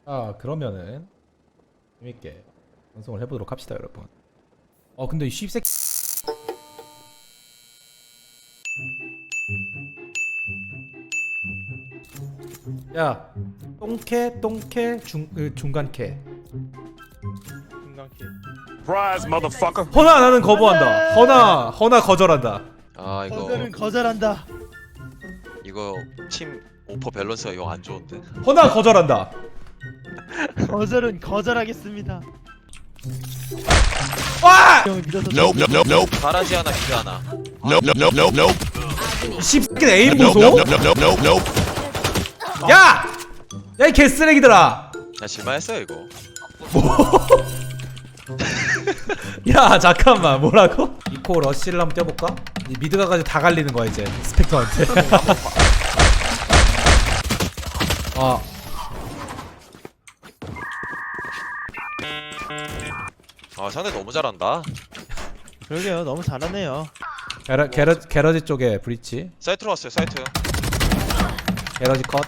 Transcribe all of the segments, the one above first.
그러면은 재밌게 방송을 해보도록 합시다, 여러분. 근데 이 씹새끼 야, 똥캐 중간캐. Surprise, motherfucker. 허나 나는 거부한다. 허나 거절한다. 아 거절은 거절한다. 이거 팀 오퍼 밸런스가 영 안 좋은데. 허나 거절한다. 거절은 거절하겠습니다. 와! 형을 믿어서 Nope, nope, nope, nope, 가라지 하나 기대 하나. nope, nope, nope, nope, 이 씹새끼 에임 nope, 보소. nope, nope, nope, nope, nope. 야! 야, 이 개쓰레기들아. 야 질만했어요 이거. 야, 잠깐만. 뭐라고? 이코 러쉬를 한번 뛰어볼까? 이 미드가 가지고 다 갈리는 거야 이제 스펙터한테. 아 상대 너무 잘한다. 그러게요. 너무 잘하네요. 게러지 쪽에 브리치. 사이트로 왔어요 사이트. 게러지 컷.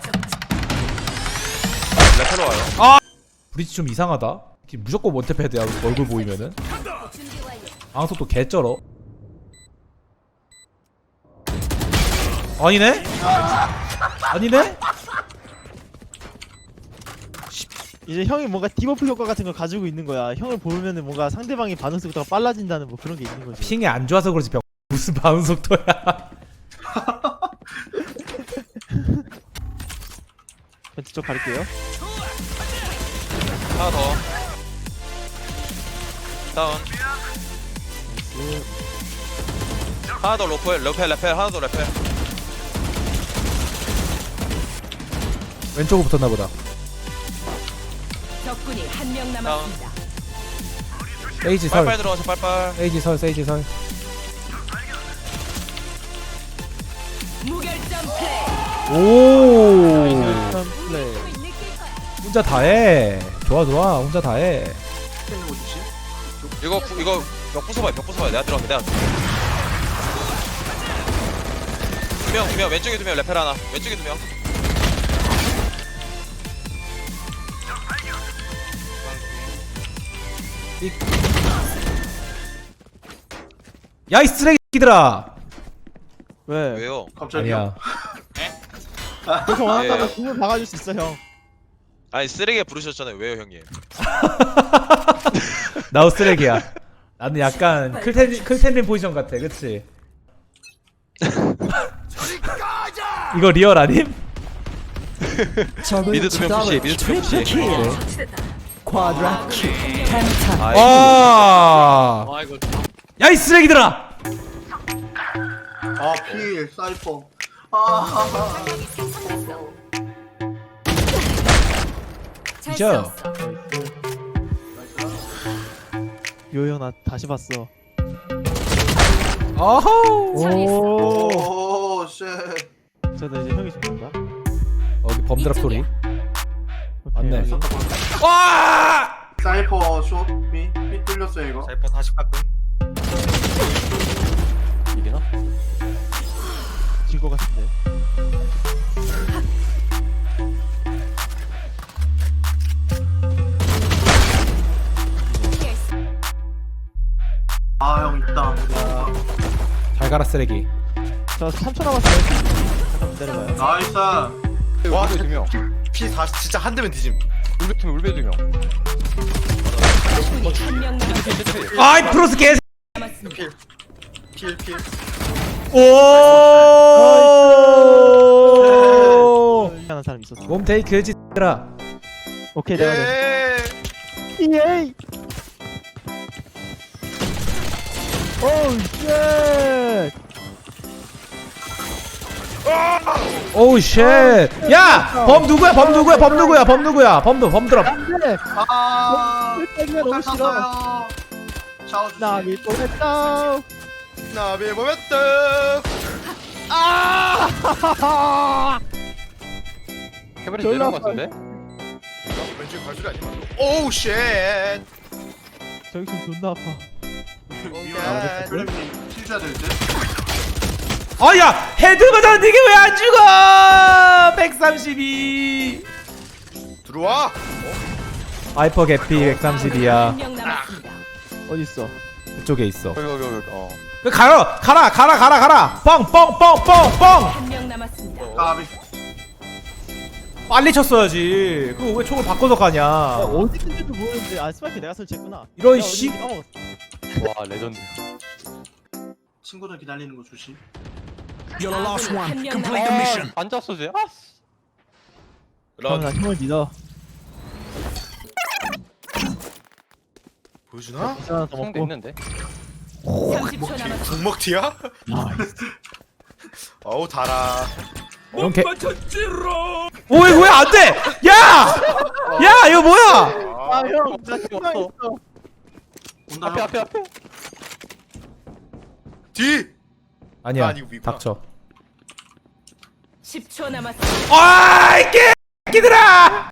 레펠로 와요. 브리치 좀 이상하다. 무조건 원탭헤드야 얼굴 보이면은. 방속 또 개쩔어. 아니네? 아니네? 이제 형이 뭔가 디버프 효과 같은 걸 가지고 있는 거야. 형을 보면은 뭔가 상대방의 반응 속도가 빨라진다는 뭐 그런 게 있는 거지. 핑이 안 좋아서 그렇지 병. 무슨 반응 속도야. 벤트 쪽 갈게요. 하나 더. 다운. 하나 더 레펠 하나 더 레펠. 왼쪽으로 붙었나 보다. 적군이 한 명 남았습니다. 세이지 설. 빨빨 들어가서 빨빨. 세이지 설. 무결점 플레이. 오. 참 플레이. 혼자 다 해. 좋아. 혼자 다 해. 이거 벽 부숴봐요 내가 들어갈게 내가. 두 명 왼쪽에 2명 레펠 하나 왼쪽에 2명. 야, 이 쓰레기들아. 왜? 왜요? 아니야. 그렇게 원한다면 예. 공을 박아줄 수 있어 형. 아니 쓰레기 부르셨잖아요 왜요 형님? 나도 쓰레기야. 나는 약간 클텐린 포지션 같아, 그치? 이거 리얼 아님? 미드 2명 푸시 와! 야, 이 쓰레기들아! 필 사이퍼. 진짜? 요형 나 다시 봤어. 어허! 오. 오, 쉣. 저도 이제 형이 죽는다. 여기 범드랍 소리. 맞네. 오케이. 와! 사이퍼 숏. 삐 뚫렸어요 이거. 사이퍼 40가끔. 이기나? 질것 같은데. 형 있다. 잘 가라, 쓰레기. 저 3초 남았어요. 잠깐 기다려봐요. 나이스. 와, 2명. P40 진짜 한 대면 뒤짐. 울베 2명. 적군이 한 명 남았습니다. 아이, 프로스 개. 남았습니다. 필. 오! 하는 사람 있었어. 몸 테이크 지들아. 오케이 내가 돼. 예이. 오우 쉣. 오우 쉣. 야! 범 누구야? 범드랍. 안돼. 아. 일단이야 너무 싫어. 탔어요. 샤워 주시. 나비 보냈다. 나비 보였다. 아! 캐버리 졸라 내려온 것 같은데? 왼쪽 발소리 아니야? 오우 쉣. 저기 좀 존나 아파. 위험해. 그래님 킬 줘야 될 듯. 야! 헤드 맞았는데 이게 왜 안 죽어? 132. 들어와. 하이퍼 개피 130이야. 한명 남았습니다. 어디 있어? 그쪽에 있어. 여기 그 가라 뻥뻥뻥뻥뻥 한명 남았습니다. 까비. 빨리 쳤어야지. 그거 왜 총을 바꿔서 가냐. 어디 있는지도 모르는데 아 스파이크 내가 설치했구나. 이런 내가 씨- 어딘지 까먹었어. 와 레전드. 친구들 기다리는 거 조심. 한명 남았습니다. 앉았어 쟤. 그럼 나 형을 믿어. 보여주나? 미션 하나 더 성대 먹고. 있는데. 30초 남았습니다. 국먹티야? 어우 달아. 이렇게. 오이 왜 안 돼? 야! 야 이거 뭐야? 아 형, 나 희망 있어. 온다. 앞에 형. 앞에. 뒤. 아니야. 아니, 이거 위구나. 닥쳐. 10초 남았습니다. 아이 개끼들아!